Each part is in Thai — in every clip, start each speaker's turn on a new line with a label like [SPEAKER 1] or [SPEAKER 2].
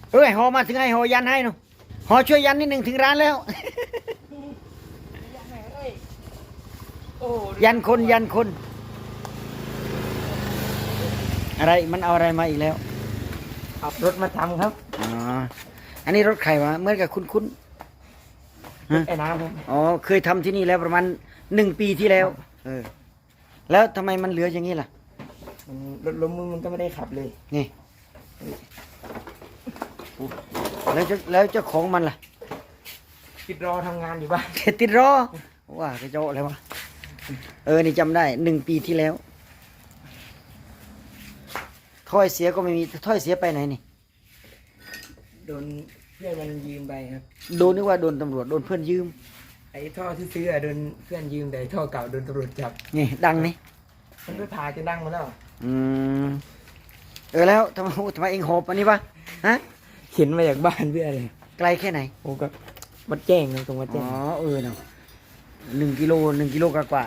[SPEAKER 1] หอมาถึงให้หอยันให้หนูหอช่วยยันนิดหนึ่งถึงร้านแล้ว ยันคนอะไรมันเอาอะไรมาอีกแล้ว
[SPEAKER 2] เอารถมาทำครับ
[SPEAKER 1] อ๋ออันนี้รถใครวะเมื่อกับคุ้นๆ
[SPEAKER 2] ไอ้น้ำครับ
[SPEAKER 1] อ๋อเคยทำที่นี่แล้วประมาณ1 ปีที่แล้วแล้วทำไมมันเหลืออย่างนี้ล่ะ
[SPEAKER 2] รถล้มมันก็ไม่ได้ขับเลย
[SPEAKER 1] นี่แล้วเจ้าของมันล่ะ
[SPEAKER 2] ติดรอทำงานอยู่บ้าน
[SPEAKER 1] ติดรอว่ากระโจอะไรวะนี่จำได้1 ปีที่แล้วถ้อยเสียก็ไม่มีถ้อยเสียไปไหนนี่
[SPEAKER 2] โดนเพื่อนมันยืมไปครับ
[SPEAKER 1] โดนนึกว่าโดนตำรวจโดนเพื่อนยืม
[SPEAKER 2] ไอ้ท่อที่ซื้อโดนเพื่อนยืมแต่ท่อเก่าโดนตำรวจจับ
[SPEAKER 1] นี่ดังนี่
[SPEAKER 2] มันไปพาจะดังมาแล้ว
[SPEAKER 1] อืมแล้วทำไมเองหอบอันนี้วะฮะ
[SPEAKER 2] เข็นมาจากบ้านเพื่อนเลย
[SPEAKER 1] ไกลแค่ไหน
[SPEAKER 2] โอ้ก็วัดแจ้งตรงวัด
[SPEAKER 1] อ๋
[SPEAKER 2] แจ้
[SPEAKER 1] อง เนาะ1 กิโลกว่า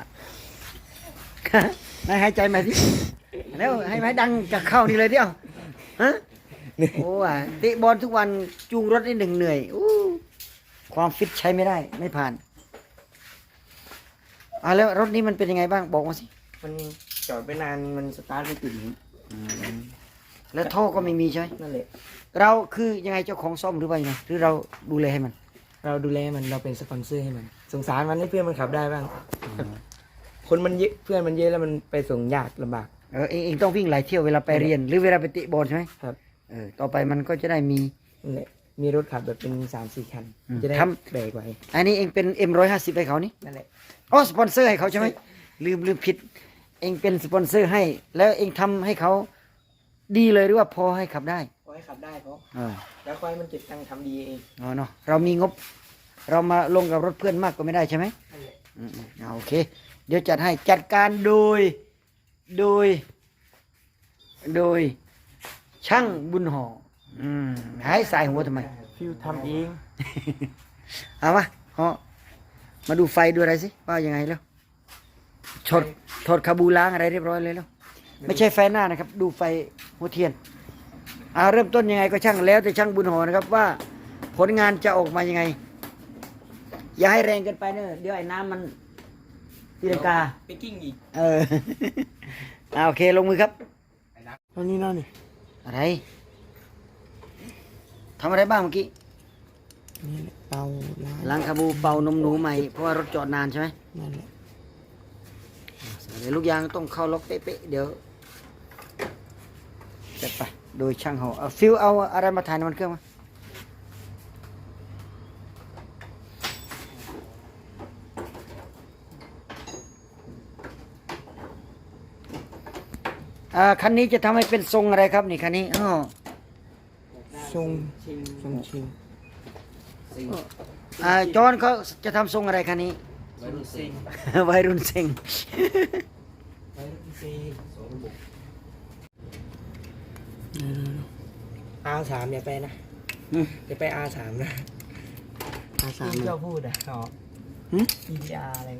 [SPEAKER 1] นายหายใจมาสิแล้วให้ดังกับเข้านี่เลยเดียวฮะโอ้เตะบอลทุกวันจูงรถนี่เหนื่อยความฟิตใช้ไม่ได้ไม่ผ่านแล้วรถนี้มันเป็นยังไงบ้างบอกมาสิ
[SPEAKER 2] มันจอดไปนานมันสตาร์ทไม่ติด
[SPEAKER 1] แล้วท่อก็ไม่มีใช่ไหม
[SPEAKER 2] นั่นแหละ
[SPEAKER 1] เราคือยังไงเจ้าของซ่อมหรือว่ายังไงหรือเราดูแลให้มัน
[SPEAKER 2] เราดูแลมันเราเป็นสปอนเซอร์ให้มันสงสารมันให้เพื่อนมันขับได้บ้างคนมันเยอะเพื่อนมันเยอะแล้วมันไปส่งยากลำบาก
[SPEAKER 1] เองต้องวิ่งหลายเที่ยวเวลาไปเรียน หรือเวลาไปเตะบอลใช่ไหม
[SPEAKER 2] ครับ
[SPEAKER 1] ต่อไปมันก็จะได้มี
[SPEAKER 2] นั่นแหละมีรถขับแบบเป็น3-4 คัน จะได้แบกไว้
[SPEAKER 1] อันนี้เองเป็น M150ให้เขานี่
[SPEAKER 2] นั่นแหละ
[SPEAKER 1] อ๋อสปอนเซอร์ให้เขาใช่ไหมลืมผิด เองเป็นสปอนเซอร์ให้ แล้วเองทำให้เขาดีเลยหรือว่าพอให้ขับได้
[SPEAKER 2] ขอให้ขับได้เพราะ
[SPEAKER 1] เออ
[SPEAKER 2] แล้วค่อยมันเก็บตังค์ทำดีเอง
[SPEAKER 1] เนาะเรามีงบ เรามาลงกับรถเพื่อนมากก็ไม่ได้ใช่ไหม
[SPEAKER 2] นั่นแหละ
[SPEAKER 1] โอเค เดี๋ยวจัดให้จัดการโดยช่างบุญห่อหายสายหัวทำไม
[SPEAKER 2] ฟิวทำเอง
[SPEAKER 1] เอามาห่อมาดูไฟดูอะไรสิว่ายังไงแล้วถอดคาบูล้างอะไรเรียบร้อยเลยแล้วไม่ใช่ไฟหน้านะครับ ดูไฟหัวเทียนเริ่มต้นยังไงก็ช่างแล้วแต่ช่างบุญห่อนะครับว่าผลงานจะออกมายังไง อย่าให้แรงเกินไปเนอะเดี๋ยวไอ้น้ำมันตีลังกา
[SPEAKER 2] ไปกิ้งอีก
[SPEAKER 1] โอเคลงมือครับ
[SPEAKER 2] ตอนนี้นั่นนี่
[SPEAKER 1] อะไรทำอะไรบ้างเมื่อกี้
[SPEAKER 2] นี่แหละเป่าล้าง
[SPEAKER 1] ล้างคาบูเป่านมหนูใหม่เพราะว่ารถจอดนานใช่ไหม
[SPEAKER 2] นั่นแหละ
[SPEAKER 1] เดี๋ยวลูกยางต้องเข้าล็อกเป๊ะๆเดี๋ยวจัดไปโดยช่างห่อฟิวเอาอะไรมาถ่ายน้ำมันเครื่องมาคันนี้จะทำให้เป็นทรงอะไรครับนี่คันนี้
[SPEAKER 2] ทรงชิง
[SPEAKER 1] จอนเขาจะทำทรงอะไรคันนี้
[SPEAKER 2] วัยรุ่นซิง
[SPEAKER 1] วัยรุ่นเซ็ง
[SPEAKER 2] วัยรุ่นซิงR3อย่าไปนะอย่าไป R3 นะ
[SPEAKER 1] R3
[SPEAKER 2] ที่เจ้าพูดอ่ะอ๋อ EGR อะไร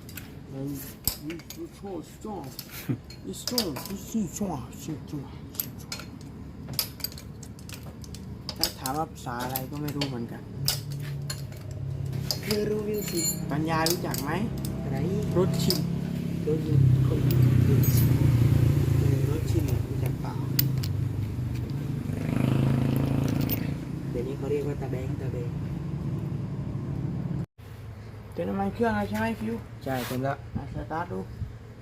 [SPEAKER 2] ถ้าถามว่าภาษาอะไรก็ไม่รู้เหมือนกันคือรู้วิวสิปัญญารู้จักไหมอะไรรถชิมรถคนรถชิมรู้จักเปล่าเดี๋ยวนี้เขาเรียกว่าตาแบงเติมน้ำมันเครื่องแล้วใช่ไหมฟิวใช่เต็มแล้วสตาร์ทดู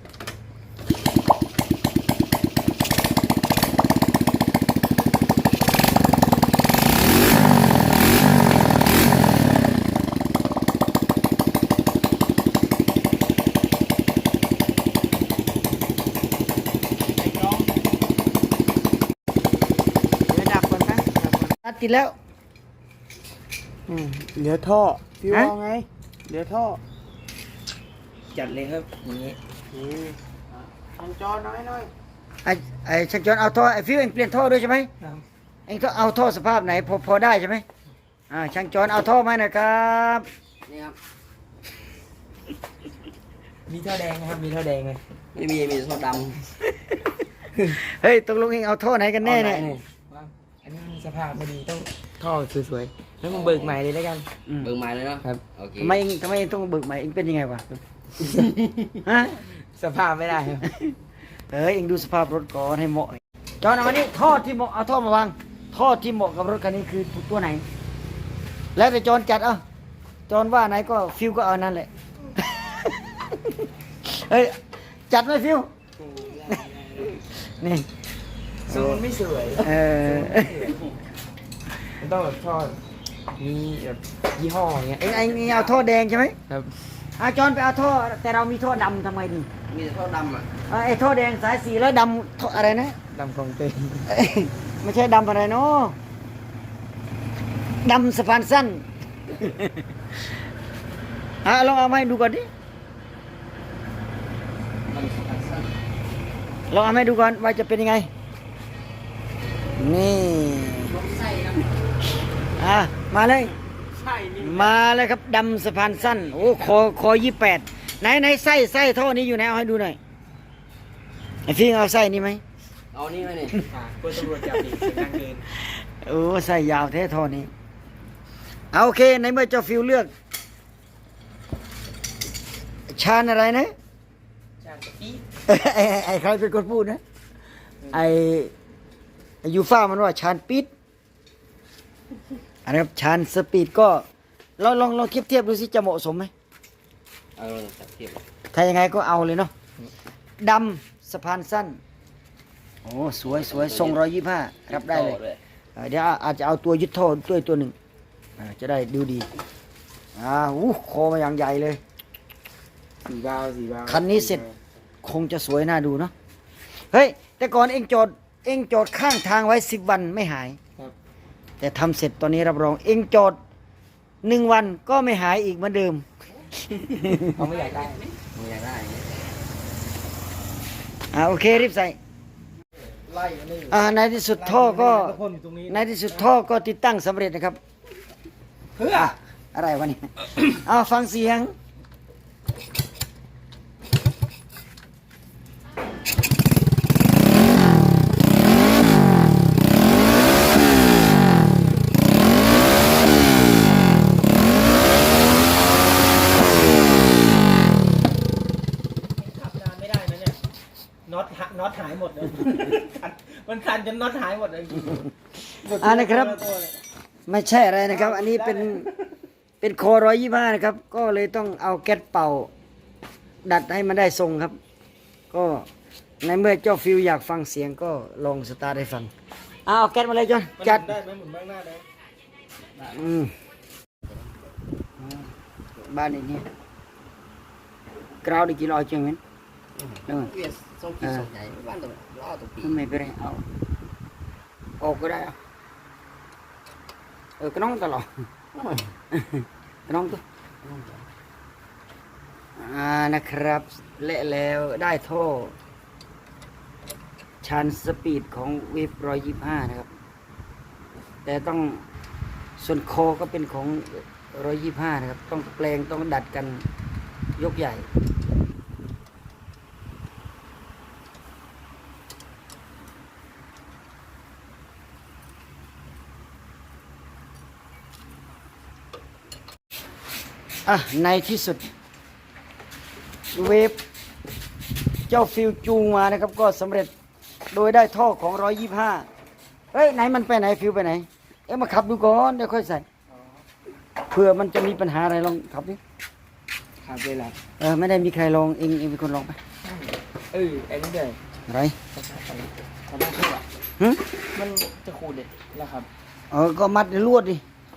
[SPEAKER 1] ติดแล้ว
[SPEAKER 2] เหลือท่อฟิว
[SPEAKER 1] ฮะ
[SPEAKER 2] เอาไงเหลือท่อจัดเลยครับอย่างนี้ทำจอน้อย
[SPEAKER 1] ไอ้ช่างจอนเอาท่อไอ้ฟิวเองเปลี่ยนท่อด้วยใช่ไหม
[SPEAKER 2] ครับ
[SPEAKER 1] เองต้องเอาท่อสภาพไหนพอได้ใช่ไหมช่างจอนเอาท่อมาหนะครับนี่ครับ
[SPEAKER 2] มีท่อแดงนะครับมีท่อแดงไหม
[SPEAKER 3] ไม่มีท่อด
[SPEAKER 1] เฮ้ยตกลงเองเอาท่อไหนกันแน่เนี่ย
[SPEAKER 2] อันนี้มันสภาพไม่ดีต้องท่อสวยๆแล้วมึงเบิกใหม่เลยแล้วกัน
[SPEAKER 1] อืม
[SPEAKER 3] เบิ่งไม้เลยเนาะ
[SPEAKER 2] ครับ
[SPEAKER 3] โอเค
[SPEAKER 1] ทำไมเองต้องเบิกใหม่เองเป็นยังไงวะฮะ
[SPEAKER 2] สภาพไม่ได้ครับ
[SPEAKER 1] เองดูสภาพรถก่อนให้เหมาะจอนเอามานี่ท่อที่เหมาะเอาท่อมาวางท่อที่เหมาะกับรถคันนี้คือตัวไหน แล้วแต่จอนจัดเอาจอนว่าไหนก็ฟิวก็เอานั่นแหละ เฮ้ยจัดไหมฟิวนี่
[SPEAKER 2] ทรงมันไม่สวย
[SPEAKER 1] เออ
[SPEAKER 2] มันต้องแบบท่อมีแบบยี่ห้ออย่างเงี้ย
[SPEAKER 1] เองเอาท่อแดงใช่ไหม
[SPEAKER 2] ครับ
[SPEAKER 1] จอนไปเอาท่อแต่เรามีท่อดำทำไมดี
[SPEAKER 3] มีแต่ท่อดำอ่ะ
[SPEAKER 1] ไอ้ท่อแดงสายสีแล้วดำท่ออะไรนะ
[SPEAKER 2] ดำกองเต็ม
[SPEAKER 1] เอ้ยไม่ใช่ดำอะไรเนาะดำสะพานสั้น ลองเอามาให้ดูก่อนดิ
[SPEAKER 3] ดำสั้น
[SPEAKER 1] ลองเอามาให้ดูก่อนว่าจะเป็นยังไง นี่
[SPEAKER 3] ไส้นะ
[SPEAKER 1] มาเลย
[SPEAKER 3] ไส้นี่
[SPEAKER 1] มาเลยครับดำสะพานสั้น โอ้คอ28ไหนไส้ท่อนี้อยู่ไหนเอาให้ดูหน่อยไอ้ฟิงเอาไส้นี่ไหม
[SPEAKER 3] เอานี่ไหมเนี่ย
[SPEAKER 2] กลัวตำรวจจับอีกเสียงดังเกิน
[SPEAKER 1] โอ้ไส้ยาวแท้ท่อนี้เอาโอเคในเมื่อเจ้าฟิวเลือก ชาญอะไรนะ
[SPEAKER 2] ชาติปี๊ด
[SPEAKER 1] ไอ้ใครเป็นคนพูดนะ ไอ้ยูฟ่ามันว่าชานปิดอันนี้ครับชานสปีดก็ลองเทียบดูสิจะเหมาะสมไหม
[SPEAKER 3] เอาจับเทียบ
[SPEAKER 1] ถ้ายังไงก็เอาเลยเนาะดำสะพานสั้น โอ้สวยทรง125รับได้เลย
[SPEAKER 3] ต่อ
[SPEAKER 1] เดี๋ยวอาจจะเอาตัวยึดท่อด้วยตัวหนึ่งจะได้ดูดีคอมาอย่างใหญ่เลย
[SPEAKER 2] สีบาว
[SPEAKER 1] คันนี้เสร็จ คงจะสวยน่าดูเนาะเฮ้ยแต่ก่อนเองจอดข้างทางไว้10 วันไม่หาย
[SPEAKER 2] ครับ
[SPEAKER 1] แต่ทำเสร็จตอนนี้รับรองเองจอด1 วันก็ไม่หายอีกเหมือนเดิม
[SPEAKER 2] เขาไม่อยากได้
[SPEAKER 3] ไม่อยากได้
[SPEAKER 1] โอเครีบใส่
[SPEAKER 2] ไล่อันนี้
[SPEAKER 1] ในที่สุดท่อก็
[SPEAKER 2] พ่นอยู่ตรงนี้
[SPEAKER 1] ในที่สุดท่อก็ติดตั้งสำเร็จนะครับ
[SPEAKER 2] เพื่อ
[SPEAKER 1] อะไรวะเนี่ย ฟังเสียง
[SPEAKER 2] ขับนานไม่ได้นะเนี่ยน็อตหายหมดเลย มันคันจนน็อตหายหมดเลย
[SPEAKER 1] นะครับ ไม่ใช่อะไรนะครับ อันนี้เป็นโค125นะครับ ก็เลยต้องเอาแก๊สเป่า ดัดให้มันได้ทรงครับ ก็ในเมื่อเจ้าฟิวอยากฟังเสียงก็ลองสตาร์ทให้ฟังเอาแก๊สมาเลยจอนจัด
[SPEAKER 2] ได้ไหมหมุนบ้างหน้าได้
[SPEAKER 1] อืมบ้านนี้กราวได้กี่ร้อยจังเว้นเออ
[SPEAKER 3] เวียนส่งกี่ส่งใหญ่บ้านตัวล้อตัวปี
[SPEAKER 1] ไม่เป็นไรเอาออกก็ได้ก็น้องตลอดก็น้องตัวนะครับเละแล้วได้ท่อชันสปีดของเวฟ125นะครับ แต่ต้องส่วนคอก็เป็นของ125นะครับ ต้องแปลงต้องดัดกันยกใหญ่ในที่สุดเวฟเจ้าฟิวจูงมานะครับ ก็สำเร็จโดยได้ท่อของ125เฮ้ยไหนมันไปไหนฟิวไปไหนมาขับดูก่อนเดี๋ยวค่อยใส่เผื่อมันจะมีปัญหาอะไรลองขับดิ
[SPEAKER 2] ขับเลยล่ะ
[SPEAKER 1] ไม่ได้มีใครลองเองเป็นคนลองไป
[SPEAKER 2] ไอ้นี่เลย
[SPEAKER 1] อะไร
[SPEAKER 2] เขาต้องพูดอ่ะ
[SPEAKER 1] หึ
[SPEAKER 2] มันจะขูดเลยแล้วครับ
[SPEAKER 1] ก็มัดลวดดิ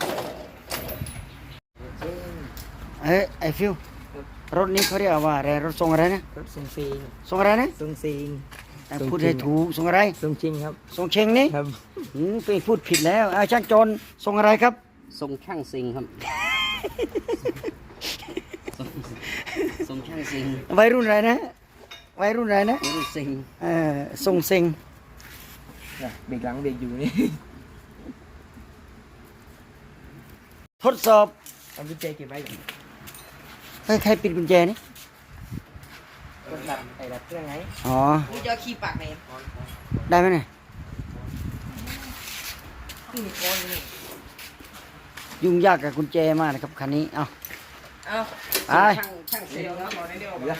[SPEAKER 1] ไอ้ฟิวรถนี้เขาเรียกว่าอะไรรถทรงอะไรนะ
[SPEAKER 2] รถทรงซีง
[SPEAKER 1] ทรงอะไรนะ
[SPEAKER 2] ทรงซีง
[SPEAKER 1] พูดให้ถูกทรงอะไร
[SPEAKER 2] ทรงจริงครับ
[SPEAKER 1] ทรงเชงนี่
[SPEAKER 2] ครับ
[SPEAKER 1] ไปพูดผิดแล้วช่างโจรทรงอะไรครับ
[SPEAKER 3] ทรงช่างซิงครับทรงช่างซิง
[SPEAKER 1] วัยรุ่นอะไรนะวัยรุ่นอะไรนะ
[SPEAKER 3] นี่ซิง
[SPEAKER 1] ทรงเซ็ง
[SPEAKER 2] เบรกหลังเบรกอยู่นี่
[SPEAKER 1] ทดสอบ
[SPEAKER 2] เอากุญแจเก็บไว้ก่อน
[SPEAKER 1] ใครปิดกุญแจนี่
[SPEAKER 2] กดดับไอ้ดับเครื่องไง
[SPEAKER 1] อ๋อ
[SPEAKER 3] กูจะขี้ปากไหน
[SPEAKER 1] ได้ไหมเนี่ย
[SPEAKER 2] นี่คนนี่
[SPEAKER 1] ยุ่งยากกับกุญแจมากนะครับคันนี้เอา
[SPEAKER 2] เอา
[SPEAKER 1] ไป
[SPEAKER 3] ช่างเซลล์ครับ
[SPEAKER 2] บอกได้เดียว
[SPEAKER 3] ไหน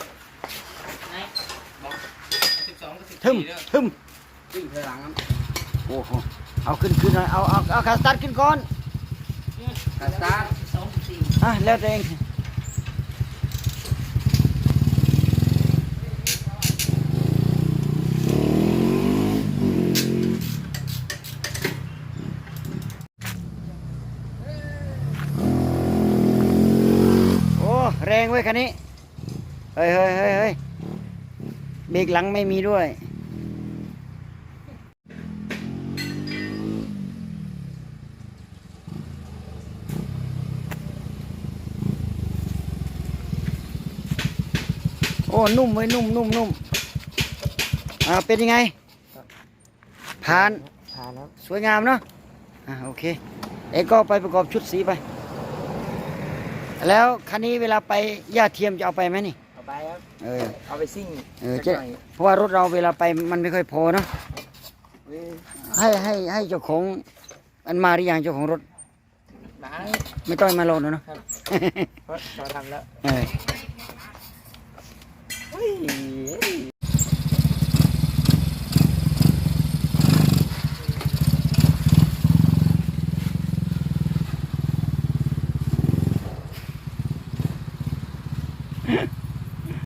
[SPEAKER 1] ทึมทึม
[SPEAKER 3] วิ่งถอยหลังครับ
[SPEAKER 1] โอ้โหเอาขึ้นหน่อยเอาขาสตาร์ทขึ้นก่อน
[SPEAKER 3] กาสตาร์ท
[SPEAKER 1] แล้วแต่เองโอ้แรงเว้ยคันนี้เฮ้ยเบรกหลังไม่มีด้วยโอ้นุ่มเว้ยนุ่มเป็นยังไงผ่าน
[SPEAKER 2] ผ่านแล้ว
[SPEAKER 1] สวยงามเนาะโอเคเอกก็ไปประกอบชุดสีไป แล้วคันนี้เวลาไปย่าเทียมจะเอาไปไหมนี่
[SPEAKER 2] เอาไปครับ
[SPEAKER 1] เออ
[SPEAKER 2] เอาไปซิ่ง
[SPEAKER 1] จะ
[SPEAKER 2] สักหน่อย
[SPEAKER 1] เพราะว่ารถเราเวลาไปมันไม่ค่อยพอเนาะ
[SPEAKER 2] เว้ย
[SPEAKER 1] ให้เจ้าของมันมาหรือยังเจ้าของรถ
[SPEAKER 2] หนา
[SPEAKER 1] ไม่ต้องมาโลนเนาะ
[SPEAKER 2] ครับเพราะเราทำแล้ว
[SPEAKER 1] เออ
[SPEAKER 2] เฮ้ย